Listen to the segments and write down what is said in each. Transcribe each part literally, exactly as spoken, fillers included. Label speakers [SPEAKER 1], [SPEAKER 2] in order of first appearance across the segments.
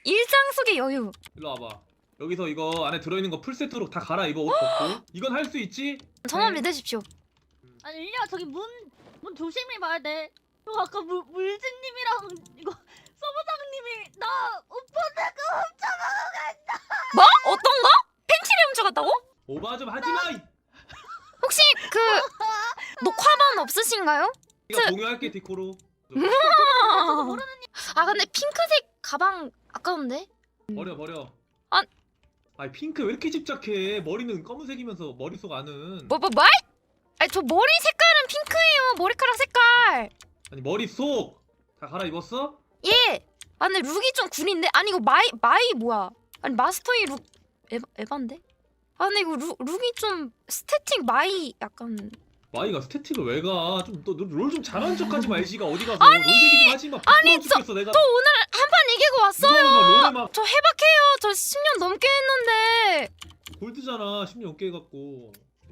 [SPEAKER 1] 일상 속의 여유.
[SPEAKER 2] 일로 와봐. 여기서 이거 안에 들어있는 거 풀세트로 다 갈아입어. 옷 벗고. 이건 할 수 있지?
[SPEAKER 1] 저만
[SPEAKER 2] 네.
[SPEAKER 1] 믿으십시오.
[SPEAKER 3] 아니 일리야 저기 문 문 조심히 봐야 돼. 저 아까 물 물진님이랑 이거 서부장님이 나 오빠 내가 훔쳐가고 간다.
[SPEAKER 1] 뭐? 어떤 거? 팬티를 훔쳐갔다고?
[SPEAKER 2] 오바 좀 하지 마.
[SPEAKER 1] 혹시 그 녹화본 없으신가요?
[SPEAKER 2] 이거 공유할게 디코로.
[SPEAKER 1] 아 근데 핑크색 가방 아까운데?
[SPEAKER 2] 버려 버려.
[SPEAKER 1] 아.
[SPEAKER 2] 아니 핑크 왜 이렇게 집착해? 머리는 검은색이면서 머릿속 안은.
[SPEAKER 1] 뭐 뭐 뭐? 아니 저 머리 색깔은 핑크예요. 머리카락 색깔.
[SPEAKER 2] 아니 머릿속 다 갈아입었어?
[SPEAKER 1] 예. 아 근데 룩이 좀 구린데? 아니 이거 마이 마이 뭐야? 아니 마스터이 룩 에바, 에반데? 아 근데 이거 룩, 룩이 좀 스태틱 마이 약간.
[SPEAKER 2] 마이가 스태틱을 왜 가? 좀너롤 좀 잘하는 척하지 마. 애쉬가 어디 가서 롤 얘기 좀 하지 마.
[SPEAKER 1] 아니,
[SPEAKER 2] 죽겠어 내가.
[SPEAKER 1] 저 오늘 한 판 이기고 왔어요.
[SPEAKER 2] 롤에 막
[SPEAKER 1] 저 해박해요. 저 십 년 넘게 했는데.
[SPEAKER 2] 골드잖아. 십 년 넘게 해갖고.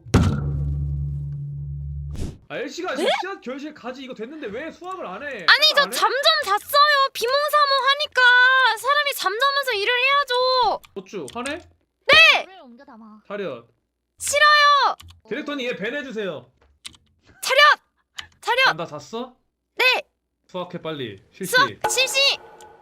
[SPEAKER 2] 아 엘씨가 지금 씨앗 결실 가지 이거 됐는데 왜 수학을 안 해?
[SPEAKER 1] 아니 저
[SPEAKER 2] 안 해?
[SPEAKER 1] 잠 좀 잤어요. 비몽사몽 하니까 사람이 잠자면서 일을 해야죠.
[SPEAKER 2] 어쭈 화내?
[SPEAKER 3] 물을 옮겨 담아.
[SPEAKER 2] 차렷.
[SPEAKER 1] 싫어요.
[SPEAKER 2] 디렉터님 얘 밴해주세요.
[SPEAKER 1] 차렷. 차렷.
[SPEAKER 2] 난 다 잤어?
[SPEAKER 1] 네.
[SPEAKER 2] 수학해 빨리. 실시.
[SPEAKER 1] 수학 실시.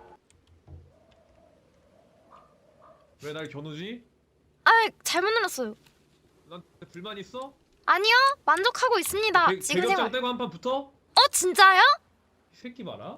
[SPEAKER 2] 왜 날 겨누지?
[SPEAKER 1] 아 잘못 눌렀어요.
[SPEAKER 2] 난 불만 있어?
[SPEAKER 1] 아니요. 만족하고 있습니다.
[SPEAKER 2] 배,
[SPEAKER 1] 지금
[SPEAKER 2] 배경장
[SPEAKER 1] 생활.
[SPEAKER 2] 떼고 한 판 붙어?
[SPEAKER 1] 어 진짜요?
[SPEAKER 2] 이 새끼 봐라.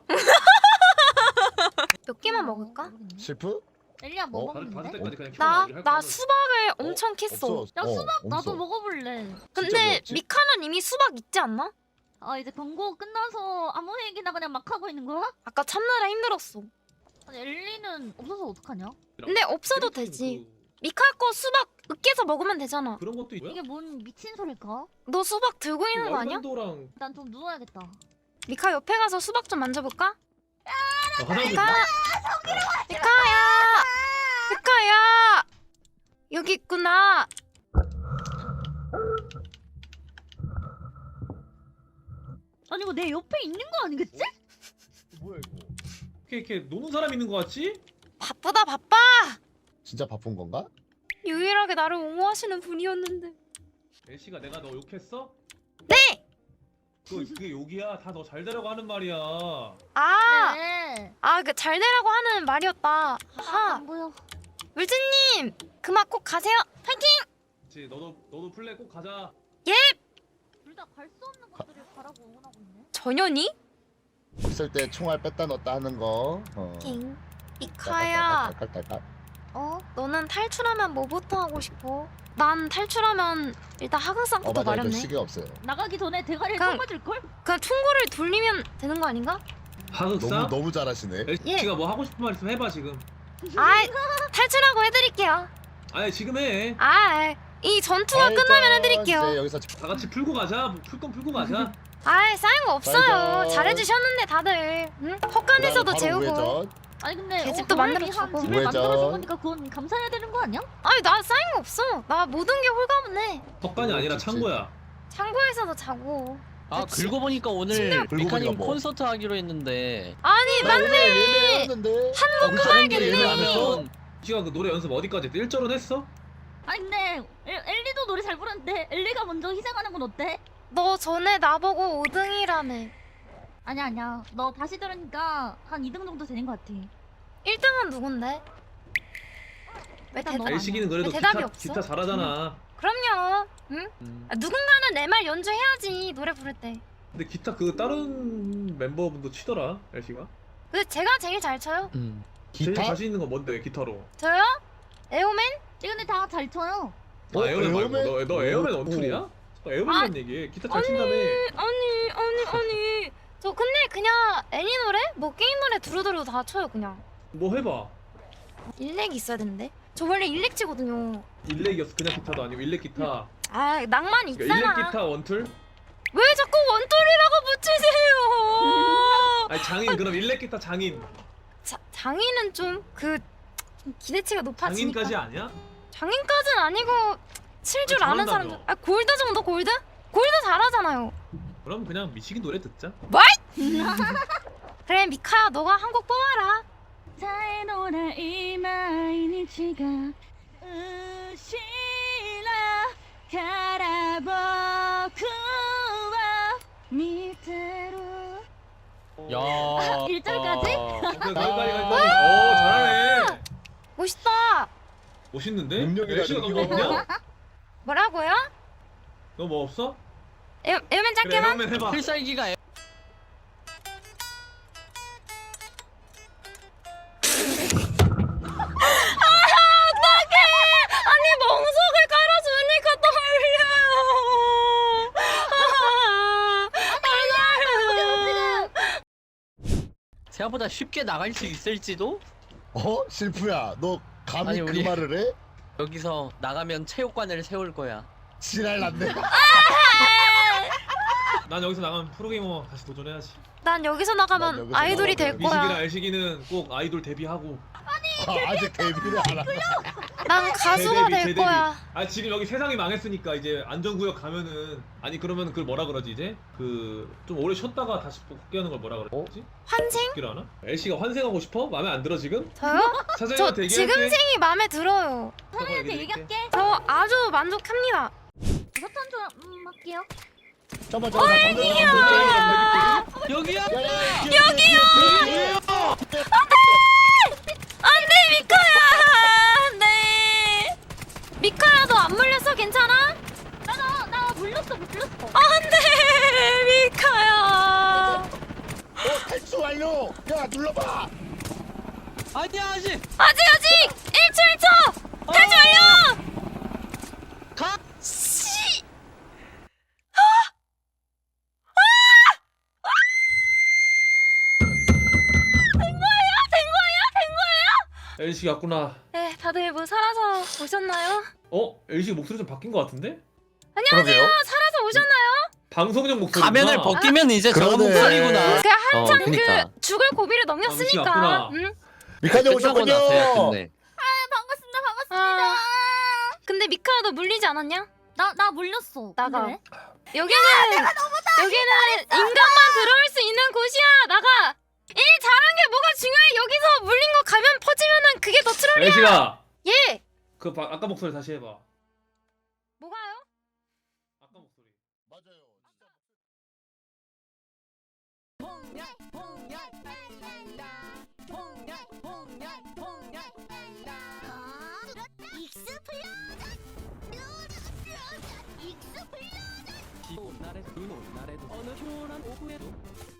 [SPEAKER 1] 몇 개만 먹을까?
[SPEAKER 4] 실프?
[SPEAKER 3] 엘리야 뭐
[SPEAKER 4] 어?
[SPEAKER 2] 받을, 받을
[SPEAKER 3] 먹는데?
[SPEAKER 2] 때까지 그냥
[SPEAKER 1] 나
[SPEAKER 2] 키워놔. 할
[SPEAKER 1] 나
[SPEAKER 2] 거면.
[SPEAKER 1] 수박을 엄청 캤어.
[SPEAKER 4] 없어.
[SPEAKER 3] 야
[SPEAKER 4] 어,
[SPEAKER 3] 수박 나도
[SPEAKER 4] 없어.
[SPEAKER 3] 먹어볼래.
[SPEAKER 1] 근데
[SPEAKER 4] 뭐였지?
[SPEAKER 1] 미카는 이미 수박 있지 않나?
[SPEAKER 3] 아 이제 광고 끝나서 아무 얘기나 그냥 막 하고 있는 거야?
[SPEAKER 1] 아까 참느라 힘들었어.
[SPEAKER 3] 아니 엘리는 없어서 어떡하냐?
[SPEAKER 1] 근데 없어도
[SPEAKER 2] 디렉터님
[SPEAKER 1] 되지.
[SPEAKER 2] 그,
[SPEAKER 1] 미카 거 수박 으깨서 먹으면 되잖아.
[SPEAKER 2] 그런 것도 있고요?
[SPEAKER 3] 이게 뭔 미친 소릴까?
[SPEAKER 1] 너 수박 들고 있는 거 아니야?
[SPEAKER 2] 월간도랑
[SPEAKER 3] 난 좀 누워야겠다.
[SPEAKER 1] 미카 옆에 가서 수박 좀 만져볼까?
[SPEAKER 2] 아, 화장실
[SPEAKER 1] 미카! 미카야! 미카야! 여기 있구나.
[SPEAKER 3] 아니 이거 내 옆에 있는 거 아니겠지?
[SPEAKER 4] 뭐야 이거?
[SPEAKER 2] 이렇게 이렇게 노는 사람 있는 거 같지?
[SPEAKER 1] 바쁘다 바빠.
[SPEAKER 4] 진짜 바쁜 건가?
[SPEAKER 1] 유일하게 나를 옹호하시는 분이었는데.
[SPEAKER 2] 엘씨가 내가 너 욕했어?
[SPEAKER 1] 네!
[SPEAKER 2] 그, 그게 욕이야. 다 너 잘 되라고 하는 말이야.
[SPEAKER 1] 아!
[SPEAKER 3] 네.
[SPEAKER 1] 아, 그 잘 되라고 하는 말이었다.
[SPEAKER 3] 아,
[SPEAKER 1] 아하.
[SPEAKER 3] 안 보여.
[SPEAKER 1] 물진님! 그만 꼭 가세요. 파이팅!
[SPEAKER 2] 그치 너도 너도 플레이 꼭 가자.
[SPEAKER 3] 둘 다 갈 수 없는 것들을 가라고 응원하고 있네.
[SPEAKER 1] 전현이?
[SPEAKER 4] 있을 때 총알 뺐다 넣었다 하는 거. 어.
[SPEAKER 1] 팅. 미카야,
[SPEAKER 4] 깔깔깔깔깔.
[SPEAKER 1] 어? 너는 탈출하면 뭐부터 하고 싶어? 난 탈출하면 일단
[SPEAKER 4] 어
[SPEAKER 1] 하극상부터
[SPEAKER 4] 맞아 이거
[SPEAKER 1] 마련해.
[SPEAKER 4] 시계 없어요.
[SPEAKER 3] 나가기 전에 대가리를
[SPEAKER 1] 그냥-
[SPEAKER 3] 뽑아줄 걸?
[SPEAKER 1] 그냥 총구를 돌리면 되는 거 아닌가?
[SPEAKER 2] 하극상?
[SPEAKER 4] 너무 너무 잘하시네.
[SPEAKER 2] 엘씨가 뭐 하고 싶은 말 있으면 해봐 지금.
[SPEAKER 1] 아, 탈출하고 해드릴게요.
[SPEAKER 2] 아니 지금 해.
[SPEAKER 1] 아, 이 전투가
[SPEAKER 4] 알죠.
[SPEAKER 1] 끝나면 해드릴게요.
[SPEAKER 4] 이제 여기서
[SPEAKER 2] 다 같이 풀고 가자. 풀 건 풀고 가자.
[SPEAKER 1] 아, 쌓인 거 없어요.
[SPEAKER 4] 알죠.
[SPEAKER 1] 잘해주셨는데 다들. 응? 헛간에서도
[SPEAKER 4] 바로
[SPEAKER 1] 재우고.
[SPEAKER 4] 우회전.
[SPEAKER 3] 아니 근데
[SPEAKER 1] 계집도
[SPEAKER 3] 어,
[SPEAKER 1] 만들어주고.
[SPEAKER 3] 한 집을
[SPEAKER 4] 우회전.
[SPEAKER 3] 만들어준 거니까 그건 감사해야 되는 거 아니야?
[SPEAKER 1] 아니 나 쌓인 거 없어. 나 모든 게 홀가분해.
[SPEAKER 2] 헛간이 아니라
[SPEAKER 4] 그치.
[SPEAKER 2] 창고야.
[SPEAKER 1] 창고에서도 자고.
[SPEAKER 5] 아
[SPEAKER 1] 그치?
[SPEAKER 5] 긁고 보니까 오늘
[SPEAKER 4] 긁고
[SPEAKER 5] 미카님
[SPEAKER 4] 보니까 뭐.
[SPEAKER 5] 콘서트 하기로 했는데
[SPEAKER 1] 아니
[SPEAKER 4] 나
[SPEAKER 1] 맞네.
[SPEAKER 4] 오늘 예매했는데.
[SPEAKER 1] 한국
[SPEAKER 5] 하는 게
[SPEAKER 1] 가야겠네.
[SPEAKER 5] 예매하면
[SPEAKER 2] 씨가 그 노래 연습 어디까지 했대? 일 절은 했어?
[SPEAKER 3] 아니 근데 엘, 엘리도 노래 잘 부르는데 엘리가 먼저 희생하는 건 어때?
[SPEAKER 1] 너 전에 나보고 오 등이라며.
[SPEAKER 3] 아니야 아니야 너 다시 들으니까 한 이 등 정도 되는 것 같아.
[SPEAKER 1] 일 등은 누군데? 왜
[SPEAKER 3] 일단
[SPEAKER 1] 대답
[SPEAKER 3] 너
[SPEAKER 1] 안 해?
[SPEAKER 2] 엘씨기는 그래도
[SPEAKER 1] 왜 대답이
[SPEAKER 2] 기타,
[SPEAKER 1] 없어?
[SPEAKER 2] 기타 잘하잖아.
[SPEAKER 1] 그럼요. 응?
[SPEAKER 5] 음,
[SPEAKER 1] 아, 누군가는 내 말 연주해야지 노래 부를 때.
[SPEAKER 2] 근데 기타 그 다른 멤버분도 치더라 엘씨가.
[SPEAKER 1] 근데 제가 제일 잘 쳐요.
[SPEAKER 5] 음.
[SPEAKER 2] 제일
[SPEAKER 4] 기타?
[SPEAKER 2] 자신 있는 건 뭔데 기타로?
[SPEAKER 1] 저요? 에오맨?
[SPEAKER 3] 이 근데 다 잘 쳐요.
[SPEAKER 2] 아
[SPEAKER 4] 어,
[SPEAKER 2] 에어맨 말고
[SPEAKER 4] 에어맨?
[SPEAKER 2] 너, 너 에어맨
[SPEAKER 4] 오,
[SPEAKER 2] 원툴이야?
[SPEAKER 4] 오.
[SPEAKER 2] 너 에어맨만 얘기해. 기타 잘 친다며.
[SPEAKER 1] 아니 아니 아니. 저 근데 그냥 애니 노래? 뭐 게임 노래 두루두루 다 쳐요 그냥.
[SPEAKER 2] 뭐 해봐.
[SPEAKER 1] 일렉 있어야 되는데. 저 원래 일렉 치거든요.
[SPEAKER 2] 일렉이었어. 그냥 기타도 아니고 일렉 기타.
[SPEAKER 1] 아 낭만
[SPEAKER 2] 그러니까
[SPEAKER 1] 있잖아.
[SPEAKER 2] 일렉 기타 원툴?
[SPEAKER 1] 왜 자꾸 원툴이라고 붙이세요?
[SPEAKER 2] 아니 장인 그럼 일렉 기타 장인.
[SPEAKER 1] 자, 장인은 좀 그 기대치가 높아지니까.
[SPEAKER 2] 장인까지 아니야?
[SPEAKER 1] 장인까지는 아니고 칠 줄
[SPEAKER 2] 아,
[SPEAKER 1] 아는
[SPEAKER 2] 잘한다며.
[SPEAKER 1] 사람들. 아 골드 정도 골드? 골드 잘하잖아요.
[SPEAKER 2] 그럼 그냥 미치긴 노래 듣자.
[SPEAKER 1] 그래 미카야 너가 한 곡 뽑아라.
[SPEAKER 3] 絶えのない毎日がうしらから僕は見てる。
[SPEAKER 5] 야.
[SPEAKER 3] 아, 일절까지?
[SPEAKER 2] 오케이, 거기까지 거기까지. 오 잘하네.
[SPEAKER 1] 멋있다.
[SPEAKER 2] 멋있는데?
[SPEAKER 4] 능력이다,
[SPEAKER 2] 애쉬가 너무
[SPEAKER 4] 능력.
[SPEAKER 2] 없냐?
[SPEAKER 1] 뭐라고요?
[SPEAKER 2] 너 뭐 없어?
[SPEAKER 1] 에, 에어맨
[SPEAKER 2] 그래
[SPEAKER 1] 짧게만?
[SPEAKER 2] 형맨 해봐.
[SPEAKER 5] 필살기가 애-
[SPEAKER 1] 아니 멍석을 깔아주니까 떨려요.
[SPEAKER 5] 생각보다 쉽게 나갈 수 있을지도?
[SPEAKER 4] 어? 실프야 너 감히
[SPEAKER 5] 아니,
[SPEAKER 4] 그
[SPEAKER 5] 우리-
[SPEAKER 4] 말을 해?
[SPEAKER 5] 여기서 나가면 체육관을 세울 거야.
[SPEAKER 4] 지랄 났네.
[SPEAKER 2] 난 여기서 나가면 프로게이머 다시 도전해야지.
[SPEAKER 1] 난 여기서
[SPEAKER 4] 난
[SPEAKER 1] 나가면
[SPEAKER 4] 여기서
[SPEAKER 1] 아이돌이 될
[SPEAKER 4] 나가면
[SPEAKER 2] 미식이랑
[SPEAKER 1] 거야.
[SPEAKER 2] 애식이는 꼭 아이돌 데뷔하고.
[SPEAKER 4] 아, 아직 데뷔를 안 하네.
[SPEAKER 1] 난 가수가
[SPEAKER 2] 재데뷔,
[SPEAKER 1] 될
[SPEAKER 2] 재데뷔.
[SPEAKER 1] 거야.
[SPEAKER 2] 아 지금 여기 세상이 망했으니까 이제 안전구역 가면은 아니 그러면 그걸 뭐라 그러지 이제 그 좀 오래 쉬었다가 다시 복귀하는 걸 뭐라 그러지?
[SPEAKER 1] 환생?
[SPEAKER 2] 복귀를 하나? 엘씨가 환생하고 싶어? 마음에 안 들어 지금?
[SPEAKER 1] 저요? 저
[SPEAKER 2] 사장님한테 얘기할게.
[SPEAKER 1] 지금 생이 마음에 들어요.
[SPEAKER 3] 사장님한테 얘기할게.
[SPEAKER 1] 저 아주 만족합니다.
[SPEAKER 3] 버튼 좀 음, 할게요.
[SPEAKER 4] 잠깐만 잠깐만 잠깐만.
[SPEAKER 5] 여기야.
[SPEAKER 4] 여기요.
[SPEAKER 1] 안돼 미카야. 안돼. 미카야 너 안 물렸어? 괜찮아?
[SPEAKER 3] 나나 나 물렸어 물렸어.
[SPEAKER 1] 안돼 미카야.
[SPEAKER 4] 어 탈출 완료. 야 눌러봐.
[SPEAKER 5] 아니야 아직.
[SPEAKER 1] 아직 아직 일 초 일 초 탈출 완료.
[SPEAKER 5] 가.
[SPEAKER 1] 씨.
[SPEAKER 2] 엘씨 갔구나.
[SPEAKER 1] 네 다들 뭐 살아서 오셨나요?
[SPEAKER 2] 어? 엘씨 목소리 좀 바뀐 것 같은데?
[SPEAKER 4] 그러게요.
[SPEAKER 1] 아, 살아서 오셨나요?
[SPEAKER 2] 방송용 목소리.
[SPEAKER 5] 가면을 벗기면 이제 저런
[SPEAKER 4] 그러네.
[SPEAKER 5] 목소리구나.
[SPEAKER 1] 그 한참
[SPEAKER 5] 어, 그니까.
[SPEAKER 1] 그 죽을 고비를
[SPEAKER 2] 아, 미치
[SPEAKER 1] 넘겼으니까.
[SPEAKER 2] 왔구나.
[SPEAKER 1] 응?
[SPEAKER 4] 미카님
[SPEAKER 5] 끝나고 나서야
[SPEAKER 4] 오셨군요.
[SPEAKER 5] 끝내.
[SPEAKER 3] 반갑습니다 반갑습니다.
[SPEAKER 1] 아. 근데 미카야 너 물리지 않았냐?
[SPEAKER 3] 나 나 물렸어.
[SPEAKER 1] 나가.
[SPEAKER 3] 근데 왜?
[SPEAKER 1] 여기는 여기는 인간만 들어올 수 있는 곳이야. 나가. 일 잘한 게 뭐가 중요해? 여기서 물린 거 가면 퍼지면은 그게 더 트롤이야.
[SPEAKER 2] 엘씨가
[SPEAKER 1] 예.
[SPEAKER 2] 그 바, 아까 목소리 다시 해봐.
[SPEAKER 1] 뭐가요?
[SPEAKER 2] 아까 목소리.
[SPEAKER 4] 맞아요.
[SPEAKER 6] 기온 날에도 눈 온 날에도 어느 초란 오후에도